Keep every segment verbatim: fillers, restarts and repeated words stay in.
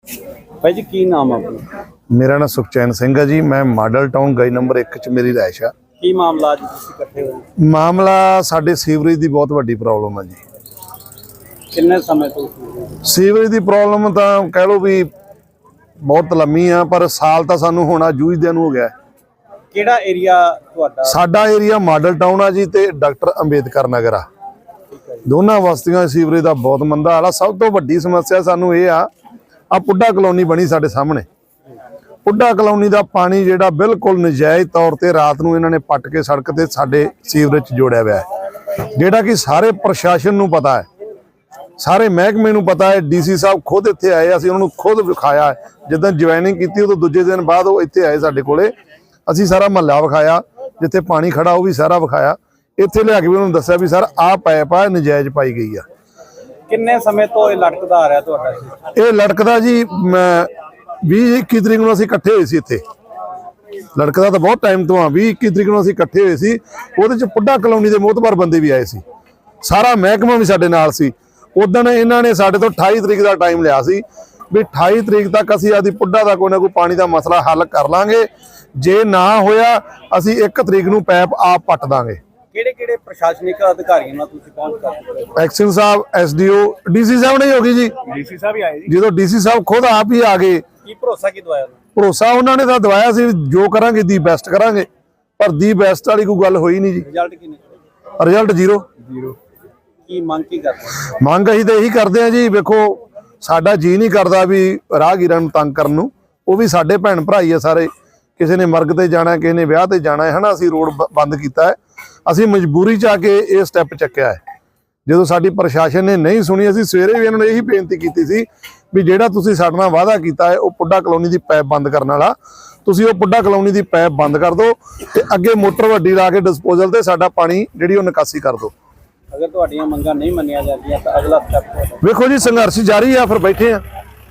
भाई जी की नाम है अपना? मेरा नाम सुखचैन सिंह है जी। मैं मॉडल टाउन गली नंबर एक च मेरी रहायश है। की मामला अज तुसीं इकट्ठे होए? मामला साडे सीवरेज की बहुत वड्डी प्रॉब्लम है जी। किन्ने समय तो सीवरेज की प्रॉब्लम तो कह लो भी बहुत लंबी है, पर साल तो सानू होना जूझदे नूं हो गया। किहड़ा एरिया तुहाडा? साडा एरिया मॉडल टाउन है जी ते डॉक्टर अंबेडकर नगर आ। दोनों बस्तियां सीवरेज का बहुत मंदा हाल आ। सब तो वड्डी समस्या सानू ये आ आ पुड्डा कलोनी बनी साडे सामने। पुड्डा कलोनी का पानी जिहड़ा बिल्कुल नजायज़ तौर पर रात नूं इन्हां ने पट के सड़क ते साडे सीवरेज च जोड़िया हुआ है, जिहड़ा कि सारे प्रशासन नूं पता है, सारे महकमे नूं पता है। डी सी साहब खुद इत्थे आए, असीं उन्होंने खुद विखाया है। जिद्दां ज्वाइनिंग की उदों दूजे दिन बाद वो इत्थे आए साडे कोले, असीं सारा महल्ला विखाया, जिथे पानी खड़ा वो भी सारा विखाया। इत्थे लिया के भी उन्होंने दस्सिया भी सर आ पैप आ नजायज़ पाई गई है। किन्ने समय तो ये लटकदा आ रहा तुहाडा? ये लटकदा जी बीस इक्की तरीक नूं असीं इकट्ठे होए सी इत्थे। लटकदा तो बहुत टाइम तो हाँ, बीस इक्की तरीक नूं असीं इकट्ठे होए सी। उहदे च पुड्डा कलोनी के मोहतबार बंदे भी आए सी, सारा महकमा भी साडे नाल सी। उदण इन्हां ने साडे तो अठाई तरीक का टाइम लिया सी भी अठाई तरीक तक असीं आदी पुड्डा का कोई ना कोई पानी का मसला हल कर लांगे। जे ना होया असीं एक तरीक नूं पैप आप पट दांगे। किहड़े किहड़े प्रशासनिक अधिकारियों नाल तुसीं पहुंच कर? एक्शन साहब, S D O, D C साहब नहीं होगी जी। डी सी साहब ही आए जी। जो डी सी साहब खुद आप ही आ गए। की भरोसा की दवाया? भरोसा उन्होंने तो दवाया सी जो करांगे दी बेस्ट करांगे, पर दी बेस्ट वाली कोई गल होई नहीं जी। रिजल्ट की नहीं? Result zero zero. की मांग की करते? ਮੰਗ ਅਸੀਂ ਤਾਂ ਇਹੀ ਕਰਦੇ ਆ ਜੀ। ਵੇਖੋ ਸਾਡਾ ਜੀ ਨਹੀਂ ਕਰਦਾ ਵੀ ਰਾਹਗੀਰਾਂ ਨੂੰ ਤੰਗ ਕਰਨ ਨੂੰ। ਉਹ ਵੀ ਸਾਡੇ ਭੈਣ ਭਰਾ ਹੀ ਆ ਸਾਰੇ। ਕਿਸੇ ਨੇ ਮਰਗ ਤੇ ਜਾਣਾ, ਕਿਸੇ ਨੇ ਵਿਆਹ ਤੇ ਜਾਣਾ ਹੈ ਹਨਾ। ਅਸੀਂ ਰੋਡ ਬੰਦ ਕੀਤਾ ਹੈ, ਅਸੀਂ ਮਜਬੂਰੀ ਚ ਆ ਕੇ ਇਹ ਸਟੈਪ ਚੱਕਿਆ ਹੈ। ਜਦੋਂ ਸਾਡੀ ਪ੍ਰਸ਼ਾਸਨ ਨੇ ਨਹੀਂ ਸੁਣੀ, ਅਸੀਂ ਸਵੇਰੇ ਵੀ ਇਹਨਾਂ ਨੂੰ ਇਹੀ ਬੇਨਤੀ ਕੀਤੀ ਸੀ ਵੀ ਜਿਹੜਾ ਤੁਸੀਂ ਸਾਡੇ ਨਾਲ ਵਾਅਦਾ ਕੀਤਾ ਹੈ ਉਹ ਪੁੱਡਾ ਕਲੋਨੀ ਦੀ ਪਾਈਪ ਬੰਦ ਕਰਨ ਵਾਲਾ, ਤੁਸੀਂ ਉਹ ਪੁੱਡਾ ਕਲੋਨੀ ਦੀ ਪਾਈਪ ਬੰਦ ਕਰ ਦਿਓ ਤੇ ਅੱਗੇ ਮੋਟਰ ਵੱਡੀ ਲਾ ਕੇ ਡਿਸਪੋਜ਼ਲ ਤੇ ਸਾਡਾ ਪਾਣੀ ਜਿਹੜੀ ਉਹ ਨਿਕਾਸੀ ਕਰ ਦਿਓ। अगर तुहाडियां मंगां नहीं मन्नियां जांदियां तां अगला स्टैप? ਵੇਖੋ ਜੀ संघर्ष जारी है, फिर बैठे हैं।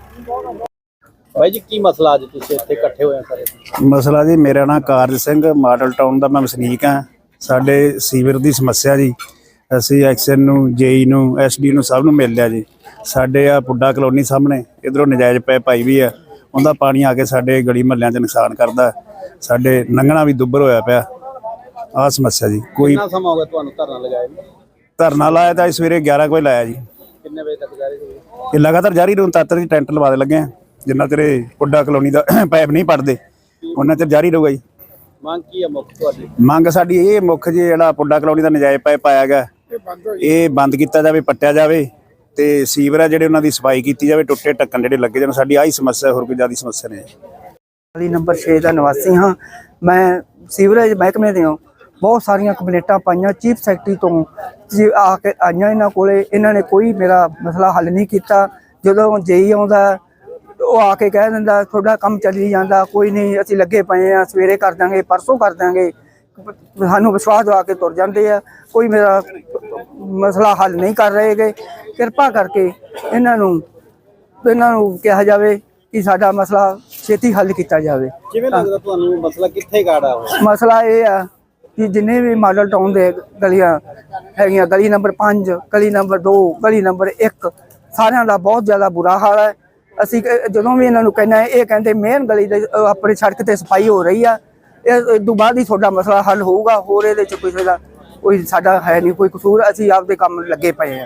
भाई जी की मसला अज तुसीं इत्थे इकट्ठे होए सारे? ਮਸਲਾ ਜੀ ਮੇਰਾ ਨਾਮ ਕਾਰਜ ਸਿੰਘ, ਮਾਡਲ ਟਾਊਨ ਦਾ ਮੈਂ ਵਸਨੀਕ ਹਾਂ। ਸਾਡੇ ਸੀਵਰ ਦੀ ਸਮੱਸਿਆ ਜੀ, ਅਸੀਂ ਐਕਸ਼ਨ ਨੂੰ, ਜੇਈ ਨੂੰ, ਐਸਡੀ ਨੂੰ ਸਭ ਨੂੰ ਮਿਲ ਲਿਆ ਜੀ। ਸਾਡੇ ਆ ਪੁੱਡਾ ਕਲੋਨੀ ਸਾਹਮਣੇ ਇਧਰੋਂ ਨਜਾਇਜ਼ ਪੈਪ ਪਾਈ ਵੀ ਆ, ਉਹਦਾ ਪਾਣੀ ਆ ਕੇ ਸਾਡੇ ਗਲੀ ਮਹੱਲਿਆਂ 'ਚ ਨੁਕਸਾਨ ਕਰਦਾ। ਸਾਡੇ ਲੰਘਣਾ ਵੀ ਦੁੱਬਰ ਹੋਇਆ ਪਿਆ। ਆਹ ਸਮੱਸਿਆ ਜੀ। ਕੋਈ कितना समय हो गया तुहानूं धरना लगाए नूं? ਧਰਨਾ ਲਾਇਆ ਤਾਂ ਸਵੇਰੇ ਗਿਆਰਾਂ ਕੁ ਵਜੇ ਲਾਇਆ ਜੀ। किन्ने बजे तक जारी होई? ਇਹ ਲਗਾਤਾਰ ਜਾਰੀ ਰਹੂ। ਤਦ ਤੱਕ ਟੈਂਟ ਲਵਾ ਦੇ ਲੱਗੇ ਆ, ਜਿੰਨਾ ਤੇਰੇ ਪੁੱਡਾ ਕਲੋਨੀ ਦਾ ਪਾਈਪ ਨਹੀਂ ਪੜਦੇ ਉਹਨਾਂ ਚਿਰ ਜਾਰੀ ਰਹੂਗਾ ਜੀ। मांग की है मुख तुहाडी? ਮੰਗ ਸਾਡੀ ਇਹ ਮੁੱਖ ਜੀ, ਜਿਹੜਾ ਪੁੱਡਾ ਕਲੋਨੀ ਦਾ ਨਜਾਇਜ਼ ਪਾਈਪ ਪਾਇਆ ਗਿਆ ਇਹ ਬੰਦ ਕੀਤਾ ਜਾਵੇ, ਪੱਟਿਆ ਜਾਵੇ ਤੇ ਸੀਵਰ ਆ ਜਿਹੜੇ ਉਹਨਾਂ ਦੀ ਸਫਾਈ ਕੀਤੀ ਜਾਵੇ, ਟੁੱਟੇ ਢੱਕਣ ਜਿਹੜੇ ਲੱਗੇ ਜਾਣ। ਸਾਡੀ ਆਹੀ ਸਮੱਸਿਆ, ਹੋਰ ਕੋਈ ਜ਼ਿਆਦਾ ਸਮੱਸਿਆ ਨਹੀਂ। गली नंबर छे का निवासी हाँ। मैं सीवरेज महकमे ਦੇ बहुत सारिया कंप्लेंटा पाइया, चीफ सैकटरी तो आके आईया इन्होंने कोले, इन्होंने कोई मेरा मसला हल नहीं किया। जो जेई आता वो आके कह दिंदा थोड़ा काम चली जाता, कोई नहीं असीं लगे पे हैं, सवेरे कर देंगे, परसों कर देंगे। सानू विश्वास दवा के तुर जाते हैं, कोई मेरा मसला हल नहीं कर रहे गे। कृपा करके इन्हों इन्हों कहा जाए कि साडा मसला छेती हल किया जाए। किवें लगदा तुहानूं मसला कित्थे गाड़ा हो? मसला ये है कि जिन्हें भी मॉडल टाउन के गलियां है, गली नंबर पाँच, गली नंबर दो, गली नंबर एक, सारिਆਂ ਦਾ बहुत ज़्यादा बुरा हाल है। ਅਸੀਂ ਜਦੋਂ ਵੀ ਇਹਨਾਂ ਨੂੰ ਕਹਿੰਦੇ ਇਹ ਕਹਿੰਦੇ ਮੇਨ ਗਲੀ ਦੇ ਆਪਣੀ ਸੜਕ ਤੇ ਸਫਾਈ ਹੋ ਰਹੀ ਆ, ਇਸ ਤੋਂ ਬਾਅਦ ਹੀ ਤੁਹਾਡਾ ਮਸਲਾ ਹੱਲ ਹੋਊਗਾ। ਹੋਰ ਇਹਦੇ ਚ ਕੋਈ ਦਾ ਕੋਈ ਸਾਡਾ ਹੈ ਨਹੀਂ ਕੋਈ ਕਸੂਰ, ਅਸੀਂ ਆਪਦੇ ਕੰਮ ਲੱਗੇ ਪਏ ਆ।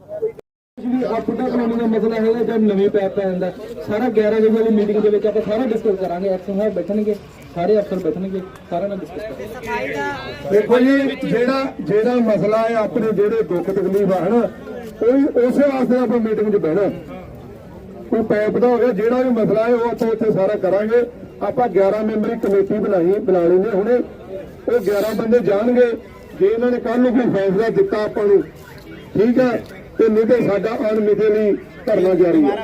पुड्डा कलोनी का मसला है जब नवी पैप पे आंदा सारा ग्यारह बजे वाली मीटिंग के विच आपां सारा डिस्कस करांगे। एक्शन साहब बैठणगे, सारे अफसर बैठणगे, सारा नाल डिस्कस करांगे। देखो जी जेड़ा जेड़ा मसला है अपने जेड़े दुख तकलीफ है ना, कोई उसे वास्ते आप मीटिंग च बहना। कोई पैप का हो गया, जेड़ा भी मसला है वो ਆਪਾਂ ਉੱਥੇ सारा करांगे। ਆਪਾਂ ग्यारह ਮੈਂਬਰੀ कमेटी बनाई बना लेने हुणे, वो ग्यारह बंदे जाणगे। जे इन्हां ने कल नूं कोई फैसला दिता आपां नूं ठीक है, ਤੇ ਨਹੀਂ ਤੇ ਸਾਡਾ ਅਣਮਿੱਥੇ ਲਈ ਧਰਨਾ ਜਾਰੀ ਹੈ।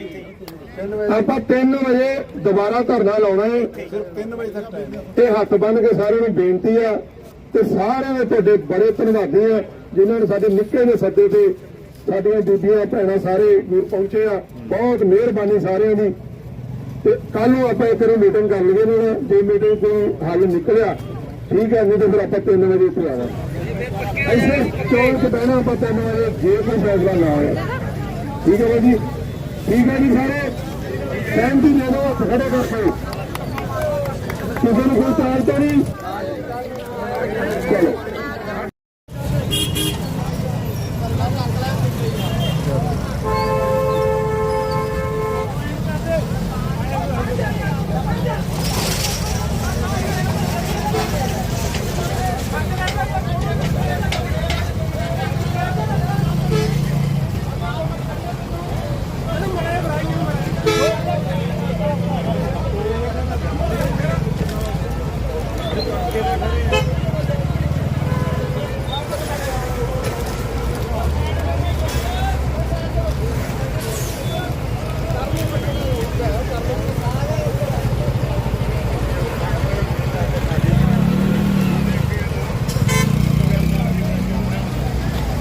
ਆਪਾਂ ਤਿੰਨ ਵਜੇ ਦੁਬਾਰਾ ਧਰਨਾ ਲਾਉਣਾ ਹੈ। ਤੇ ਹੱਥ ਬੰਨ ਕੇ ਸਾਰਿਆਂ ਨੂੰ ਬੇਨਤੀ ਆ ਤੇ ਸਾਰਿਆਂ ਦੇ ਤੁਹਾਡੇ ਬੜੇ ਧੰਨਵਾਦੀ ਆ ਜਿਨ੍ਹਾਂ ਨੇ ਸਾਡੇ ਨਿੱਕੇ ਦੇ ਸੱਦੇ ਤੇ ਸਾਡੀਆਂ ਬੀਬੀਆਂ ਭੈਣਾਂ ਸਾਰੇ ਵੀਰ ਪਹੁੰਚੇ ਆ। ਬਹੁਤ ਮਿਹਰਬਾਨੀ ਸਾਰਿਆਂ ਦੀ। ਤੇ ਕੱਲ ਨੂੰ ਆਪਾਂ ਇੱਕ ਵਾਰੀ ਮੀਟਿੰਗ ਕਰ ਲਈਏ ਨਾ, ਜੇ ਮੀਟਿੰਗ ਕੋਈ ਹੱਲ ਨਿਕਲਿਆ ठीक है, नहीं तो फिर आप तीन बजे इतने आना ऐसे चौक च बहना। आप तीन बजे जे कोई फैसला ना हो ठीक है भाई जी, ठीक है जी सारे। ਸਹਿਮਤੀ ਦੇ ਦਿਓ ਹੱਥ ਖੜੇ ਕਰਕੇ। ਕਿਸੇ ਨੂੰ ਕੋਈ ਇਤਰਾਜ਼ ਤਾਂ ਨਹੀਂ? ਚਲੋ